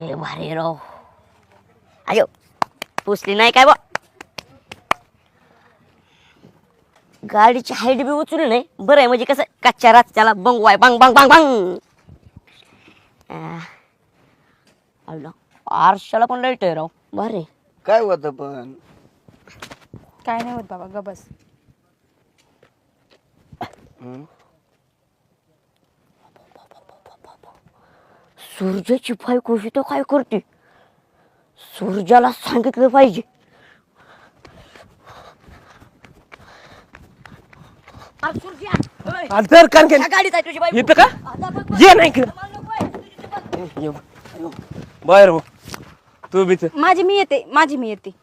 हे भारी राव. अयो पुसली नाही काय बा. गाडीची हाईट बी उचलली नाही. बरं आहे म्हणजे कसं कच्च्या रस्त्याला बंगवाय बांग बांग बांग बांग. आरशाला पण लाईट आहे राव. भारी. काय होत पण काय नाही होत बाबा, ग बस. सूर्याची बायको तो काय करते. सूर्याला सांगितलं पाहिजे. अरे सूर्या, तर कान ह्या गाडीत आहे तुझी बायको. येतं का आता बघ, बघ. ये नाही इकडं. मला नको आहे. बाहेर हो तू बी माझी मी येते.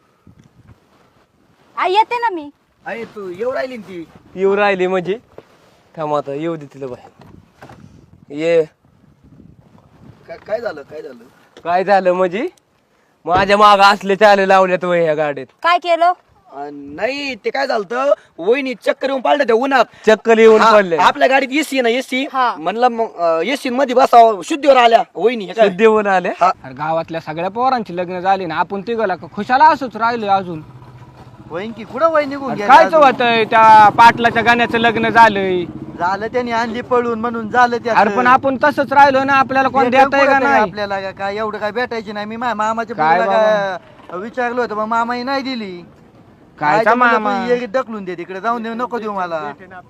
आई येते ना मी. अरे तू येऊ राहिली ना ती. येऊ राहिली म्हणजे थांब आता येऊ दे तिला बाहेर. ये काय झालं काय झालं म्हणजे माझ्या माग असले चाले लावल्यात वय ह्या गाडीत. काय केलं? नाही ते काय झालं वहिनी चक्कर येऊन पाळल्या त्या उन्हात. चक्कल येऊन पडले. आपल्या गाडीत एसी ना एसी हा. म्हणलं मग एसी मध्ये बसावं. शुद्धीवर आल्या वहिनी हे काय? देऊन आले. हा. अरे गावातल्या सगळ्या पोरांची लग्न झाली ना, आपण तिघला खुशाला असंच राहिले अजून. वहिनी कुठं वही निघून अरे कायच होतंय, त्या पाटलाच्या गाण्याचं लग्न झालंय. झालं त्यांनी आणली पळून म्हणून झालं त्या. अरे पण आपण तसंच राहिलो ना, आपल्याला कोण देताय का नाही? आपल्याला काय एवढं काय भेटायची नाही. मी माझ्या मामाच्या काय मुलीला काय विचारलं होतं, मग मामाही नाही दिली. कायचा मामा ढकलून दे तिकडे, जाऊन देऊ नको देऊ मला.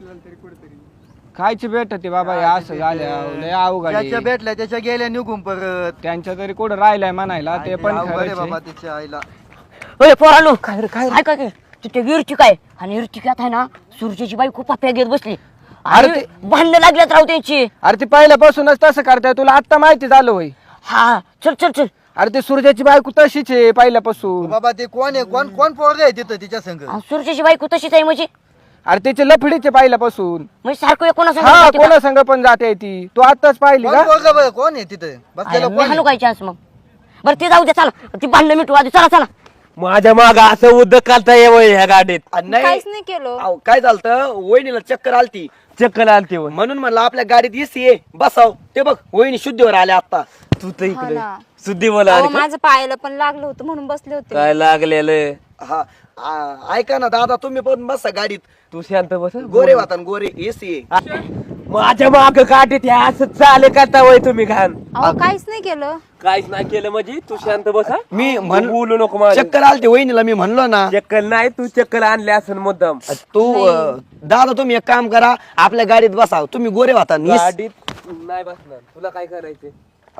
खायची भेटत बाबा, हे असं झालं लय अवघड आहे. त्याच्या भेटल्या त्याच्या गेल्या निघून परत. त्यांच्या तरी कुठं राहिलाय म्हणायला, ते पण अवघड आहे खरंच बाबा आहे. तिच्या आईला. ओय पोरांनो, काय काय काय तिथे इर्तिका आहे. आणि इर्तिकात आहे ना सूर्याची बायको पप्प्या घेत बसली. अरे अरे भांडणं लागल्यात राव त्यांची. अरे ती पहिल्यापासूनच तसं करताय, तुला आता माहिती झालं होय. हा चल चल चल. अरे ते सूर्याची बायको तशीच आहे पहिल्यापासून. बाबा ते कोण आहे, कोण कोण पोरग आहे तिथं तिच्या संग? सूर्याची बायको तशीच आहे म्हणजे. अरे त्याचे लफडीचे पहिल्यापासून. म्हणजे सारखं कोणा हा कोणा संग पण जाते ती. तू आताच पाहिली कोण का? पोरगं बरं, कोण आहे तिथं बसलेलं? कोण हाणू आहे? काय चान्स मग. बरं ते जाऊ दे, चला ती भांडणं मिटू आधी. चला चला. माझ्या माग असं उद्योग काढता येवं ह्या गाडीत. नाही काहीच नाही केलं. अहो, काय झालं वहिनीला चक्कर आलती चक्कल आलती वय. म्हणून म्हणलं आपल्या गाडीत एसी आहे बसाव. ते बघ वहिनी शुद्धीवर आल्या आता. तू तर हा इकडे ना. सुद्धी मला अहो, आली का? माझं पायाला पण लागलं होतं म्हणून बसले होते. काय लागलेलं. हा ऐका ना दादा, तुम्ही पण बसा गाडीत. तू शांत बस. गोरे वातान गोरे एसी आहे. माझ्या माग गाडीत ह्या असं चाले करता वय तुम्ही घाण. अहो काहीच नाही केलं. काहीच नाही केलं म्हणजे तू शांत बसा. मी तू बोलू नको माझ्या. चक्कर आलती वहिनीला, मी म्हणलो ना. चक्कल नाही, तू चक्कल आणले असं मुद्दाम. तू दादा तुम्ही एक काम करा, आपल्या गाडीत बसाव. तुम्ही गोरे वातान गाडीत नाही बसणार. तुला काय करायचे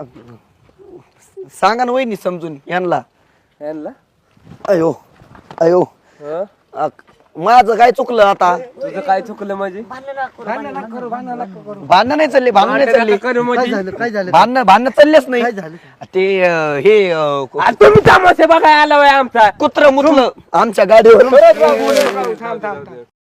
सांगा ना वहिनी समजून यांना. यांना? अयो अयो हं? माझं काय चुकलं आता? तुझं काय चुकलं म्हणजे? भांडण नाही चालले, भांडण नाही चालले. करू म्हणजे? काय झालं? भांडण चाललेच नाही. काय झालं? ते हे आज तुम्ही तमाशे बघाय आला वय आमचा. कुत्र मुतलं आमच्या गाडीवर. थांब थांब थांब.